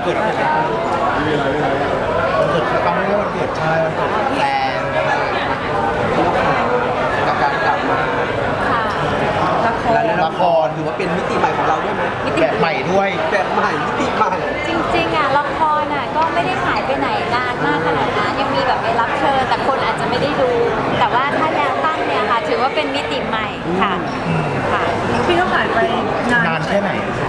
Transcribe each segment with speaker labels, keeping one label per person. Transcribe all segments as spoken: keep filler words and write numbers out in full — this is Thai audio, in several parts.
Speaker 1: เกิดอะไรวันเกิดเขาไม่ได้วันเกิดใช่วันเกิดแฟนกับการกลับมา
Speaker 2: ค่ะละคร
Speaker 1: และละครถือว่าเป็นมิติใหม่ของเราด้วยไหมแบบใหม่ด้วยแบบใหม่มิติใหม่
Speaker 2: จริงๆอ่ะละครอ่ะก็ไม่ได้หายไปไหนนานมากขนาดนั้นยังมีแบบไปรับเชิญแต่คนอาจจะไม่ได้ดู แต่ว่าถ้าแนวตั้งเนี่ยค่ะถือว่าเป็นมิติใหม่ค่ะค่ะ
Speaker 3: พี่ต้องหายไปนาน
Speaker 1: นานแค่ไหน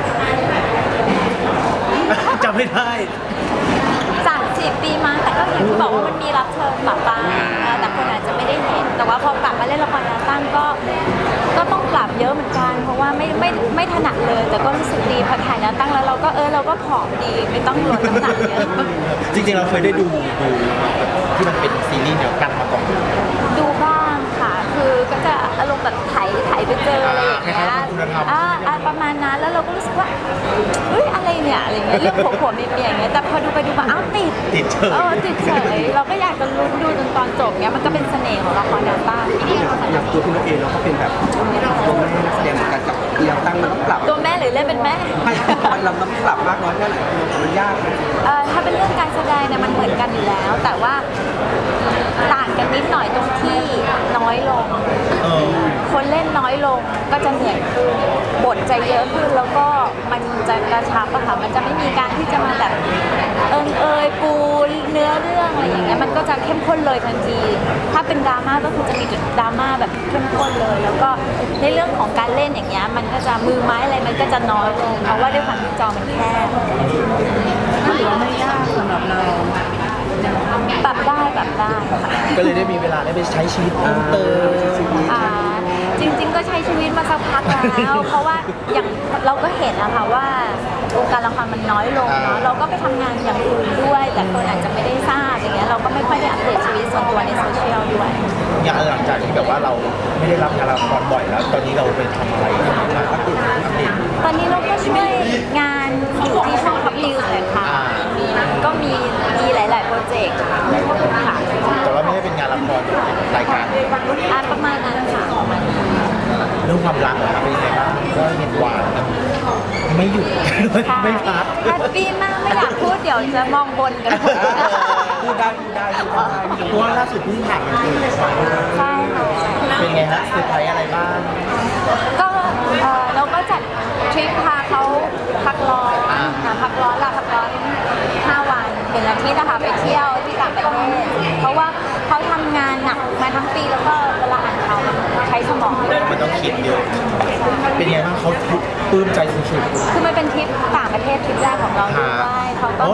Speaker 1: จำไม่ได้
Speaker 2: สามสิบปีมาแต่ก็อย่างที่บอกว่ามันมีรับเชิญปะปาแต่คนอาจจะไม่ได้เห็นแต่ว่าพอกลับมาเล่นละครแนวตั้งก็ก็ต้องปรับเยอะเหมือนกันเพราะว่าไม่ไม่ไม่ถนัดเลยแต่ก็รู้สึกดีพอถ่ายแนวตั้งแล้วเราก็เออเราก็ผอมดีไม่ต้องลดน้ำหนักเยอะ
Speaker 1: จริงๆเราเคยได้ดูดูที่มันเป็นซีรีส์แนวตั้งมาก่อน
Speaker 2: ดูบ้างค่ะคือก็จะอารมณ์แบบไถไถไปเจออะไรอย่างเงี้ยอ่าอ่าประมาณนั้นแล้วเราก็รู้สึกว่าเฮ้ยอะไรเนี่ยอะไรเงี้ยเรื่องผัวผัวเมียเมียอย่างเงี้ยแต่พอดูไปดูมาอ้าวติด
Speaker 1: ติดเฉย
Speaker 2: เออติดเฉยเราก็อยากจะลุ้นดูจนตอนจบเงี้ยมันก็เป็นเสน่ห์ของละครแนวตั้ง
Speaker 4: อย่างตัวพี่นกเองเราก็เป็นแบบตัวแม่นักแสดงเหมือนกันกับเดียวตั้งมันต้องปรับ
Speaker 2: ตัวแม่หรือเล่นเป็นแม่
Speaker 4: ให้มันเราต้องปรับมากน้อยแค่ไหนมันยาก
Speaker 2: เออถ้าเป็นเรื่องการแสดงเนี่ยมันเหมือนกันอยู่แล้วแต่ว่าต่างกันนิดหน่อยตรงที่น้อยลงคนเล่นน้อยลงก็จะเหนื่อยขึ้นบทจะเยอะขึ้นแล้วก็มันจะกระชับอะค่ะมันจะไม่มีการที่จะมาแบบเอิงเอยปูเนื้อเรื่องอะไรอย่างเงี้ยมันก็จะเข้มข้นเลยทันทีถ้าเป็นดราม่าก็คือจะมีจุดดราม่าแบบเข้มข้นเลยแล้วก็ในเรื่องของการเล่นอย่างเงี้ยมันก็จะมือไม้อะไรมันก็จะน้อยลงเพราะว่าด้วยความที่จอมันแคบ
Speaker 3: ถือว่าไม่ยากสำหรับเรา
Speaker 2: ปรับได้ปรับได้ค่ะ
Speaker 1: ก็เลยได้มีเวลาได้ไปใช้ชีวิตเพิ่มเติม
Speaker 2: อ่าจริงๆก็ใช้ชีวิตมาสักพักแล้วเพราะว่าอย่างเราก็เห็นนะคะว่าวงการละครมันน้อยลงเนาะเราก็ไปทำงานอย่างอื่นด้วยแต่คนอาจจะไม่ได้ทราบอย่างเงี้ยเราก็ไม่ค่อยได้อัปเดตชีวิตส่วนตัวในโซเชียลด้วย
Speaker 1: อย่างหลังจากที่แบบว่าเราไม่ได้รับงานละครบ่อยแล้วตอนนี้เราไปทำอะไรบ้างอัปเดตอัปเดต
Speaker 2: ตอนนี้เราก็ช่วยงานอยู่ที่ช่องท็อปนิวส์เลยค่ะก็มีมีหลายๆโปรเจกต์ค่ะ
Speaker 1: แต่ว่าไม่ได้เป็นงานละครรายการ
Speaker 2: อ่าประมาณนั้นค่ะ
Speaker 1: เรื่องความรักนะครับเป็นยังไงบ้างก็เห็นหวานไม่หยุดไม่พัก
Speaker 2: แฮปปี้มากไม่อยากพูดเดี๋ยวจะมองบนกัน
Speaker 4: พูดได้พูดได้พูดได้
Speaker 1: เพราะว่าล่าสุดเพิ่งผ่านมันเกิด
Speaker 2: ใช่ค่ะ
Speaker 1: เป็นไงฮะเซอร์ไพรส์อะไรบ้าง
Speaker 2: ก็เราก็จัดทริปพาเขาพักร้อนพักร้อนลาพักร้อนห้าวันเป็นอาทิตย์นะคะไปเที่ยวที่ต่างประเทศเพราะว่าเขาทำงานหนักมาทั้งปีแล้วก็เวลาอ่านเขาใช้สมอง
Speaker 1: มันต้องคิดเยอะเป็นไงบ้างเขาปลื้มใจสุด
Speaker 2: ๆคือมันเป็นทริปต่างประเทศทริปแรกของเราด้วยเขาก็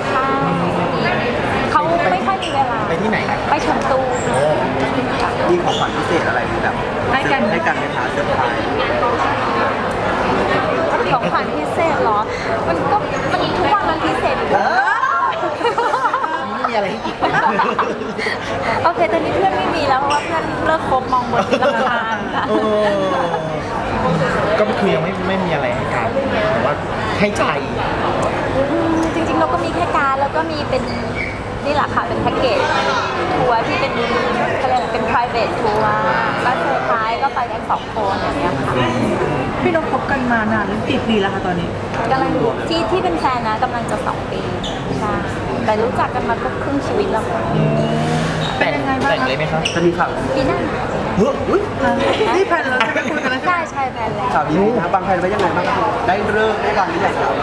Speaker 2: เขาไม่ค่อยมีเวลา
Speaker 1: ไปที่ไหน
Speaker 2: ไปชมตู
Speaker 4: มีของขวัญพิเศษอะไรแบบให้กันให้กันไหมคะเซอร์ไพรส์
Speaker 2: ของขวัญพิเศษเหรอมันก็มันทุกวันมันพิเศษอยู่
Speaker 1: ไม่มีอะไรให้อีก
Speaker 2: โอเคตอนนี้เพื่อนไม่มีแล้วเพราะว่าเพื่อนเลิกคบมองบนที่ราคา
Speaker 1: ก็คือยังไม่ไม่มีอะไรให้กันแต่ว่าให้ใจ
Speaker 2: จริงๆเราก็มีแค่การแล้วก็มีเป็นนี่แหละค่ะเป็นแพ็กเกจทัวร์ที่เป็นเขาเรียกเป็น private ทัวร์ก็เซอร์ไพรส์ก็ไปกันสองคนอย่างเงี้ยค่ะ
Speaker 3: พี่นกคบกันมานานกี่ปีแล้วคะตอนนี้
Speaker 2: กำลังที่ที่เป็นแฟนนะกำลังจะสองปีใช่แต่รู้จักกันมาก็ครึ่งชีวิตแล้ว
Speaker 1: แต่งแต่งเลยไหมครับ
Speaker 4: จะมีข่าว
Speaker 2: ปีหน้า
Speaker 1: เฮ้ย
Speaker 3: นี่แผนเราจะคุยกันแล้ว
Speaker 2: ใช่ใช่แผนแล้ว
Speaker 4: ข่าวนี้นะบางแผนไว้ยังไงบ้างได้เริ่มได้วางหรือยังครับ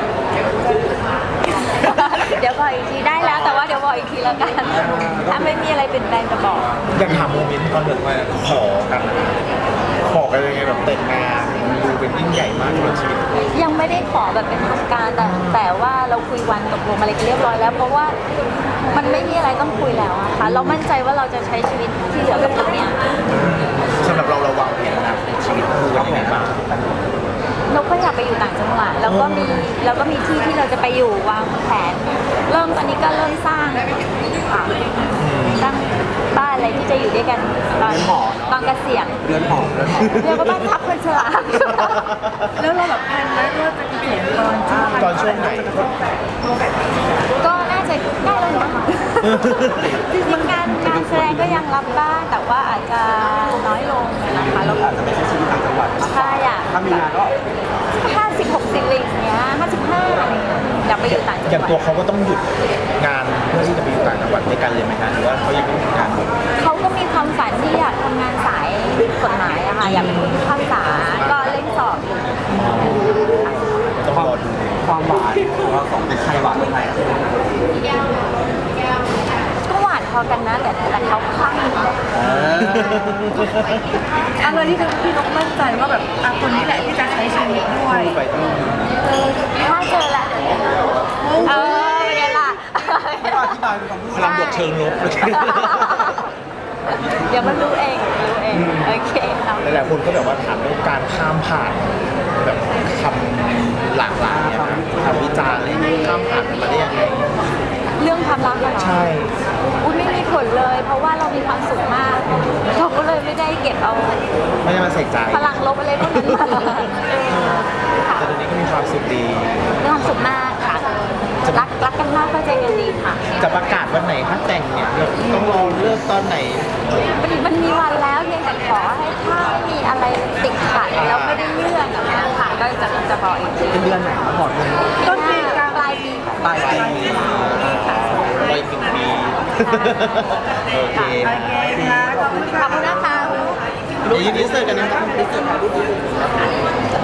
Speaker 2: เดี๋ยวบอกอีกทีได้แล้วแต่ว่าเดี๋ยวบอกอีกทีแล้วกันถ้าไม่มีอะไรเปลี่ยนแปลงจะบอก
Speaker 1: อยากถามโมเมนต์ตอนเด็กว่าขอกันขอกันยังไงแบบแต่งงานดูเป็นยิ่งใหญ่มากในชีวิต
Speaker 2: ยังไม่ได้ขอแบบเป็นทางการแต่แต่ว่าเราคุยวันตกลงอะไรกันเรียบร้อยแล้วเพราะว่ามันไม่มีอะไรต้องคุยแล้วอะค่ะเรามั่นใจว่าเราจะใช้ชีวิตที่เหลือกับคนเนี้ย
Speaker 1: สำหรับเราเราวางแผนนะชีวิตคู่กันยังไงบ้าง
Speaker 2: เราก็อยากไปอยู่ต่างจังหวัดแล้วก็มีแล้วก็มีที่ที่เราจะไปอยู่วางแผนเริ่มตอนนี้ก็เริ่มสร้างค่ะสร้างบ้านอะไรที่จะอยู่ด้วยกันตอนตอนเกษียณ
Speaker 4: เรือนหอเรือนหอ
Speaker 2: เรียกว่าบ้านพักคนชรา
Speaker 3: แล้วเราแบบแผนไว้ว่าจะเกษียณตอน
Speaker 1: ตอนช่วงไหน
Speaker 2: ก็น่าจะได้แล้วเนาะจริงๆงานงานแสดงก็ยังรับบ้างแต่ว่าอาจจะน้อยลงนะคะ
Speaker 4: เราอาจจะไปใช้ชีวิตต่างจังหวัด
Speaker 2: ใช่อะ
Speaker 4: ถ้ามีงานก็
Speaker 2: ห้าสิบหกสิบอะไรอย่างเงี้ยห้าสิบห้าอะไรอย่างเงี้ยอยากไปอยู่ต่างจังห
Speaker 1: อย่าง
Speaker 2: วัด
Speaker 1: ตัวเขาก็ต้องหยุดงานเพื่อที่จะไปอยู่ต่างจังหวัดด้วยกันเลยไหมคะหรือว่าเขายังไม่มีงานอยู่
Speaker 2: เขาก็มีความฝันที่อยากทำงานสายกฎหมายอะค่ะอยากเป็นผู้พิพากษาก็เล่นสอบอยู่
Speaker 1: ต้องรอดู
Speaker 4: ความหวานของเราสองเป็นใครหวานเป็นใคร
Speaker 2: ก็หวานพอกันนะแต่แต่เขาคลั่ง
Speaker 3: อะไรที่ทำให้พี่นกมั่นใจว่าแบบอ่ะคนนี้แหละที่จะใช้ชีวิตด้วย
Speaker 1: ไปต้อง
Speaker 2: ถ้าเจอแล้วเดี๋ยวเออเป็นไงล่ะ
Speaker 4: ไม่ต้องอธิบายเป็นคำพูด
Speaker 1: พลังบวกเชิงลบ
Speaker 2: เดี๋ยวมันรู้เองรู้เองโอเคเอา
Speaker 1: หลายๆคนก็แบบว่าถามเรื่องการข้ามผ่านแบบคำหลากหลายเนี่ยครับคำวิจารณ์อะไรอย่างเงี้ยข้ามผ่านมันมาได้ยังไง
Speaker 2: เรื่องความรักอะเหรอ
Speaker 1: ใช่
Speaker 2: อุ้ยไม่มีผลเลย เพราะว่าเรามีความสุขมากเราก็เลยไม่ได้เก็บเอา
Speaker 1: ไม่ได้มาใส่ใจ
Speaker 2: พลังลบอะไรพวกนั้นมาเออค่ะ
Speaker 1: แต่ตอนนี้ก็มีความสุขดี
Speaker 2: มีความสุขมากค่ะ รักรักกันมากก็ใจกันดีค่ะ
Speaker 1: จะประกาศวันไหนคะแต่งเนี่ยเราต้องรอเลิกตอนไหน
Speaker 2: มันมันมีวันแล้วเพียงแต่ขอให้ถ้าไม่มีอะไรติดขัดแล้วไม่ได้เลื่อนอย่างเงี้ยค่ะก็จะจะบอกอีกที
Speaker 4: เป็นเดือนไหนครับบอกเลย
Speaker 3: ต้นปีกลาง
Speaker 2: ปลายปี
Speaker 4: ปลายปี
Speaker 2: ค่ะ
Speaker 1: ไปถึงปีโอเค
Speaker 3: โอเคค่ะขอบคุณ
Speaker 2: ข
Speaker 3: ค่ะ
Speaker 2: อบคุณนะคะ
Speaker 1: เดี๋ยวยินดีเสิร์ฟกันนะครับ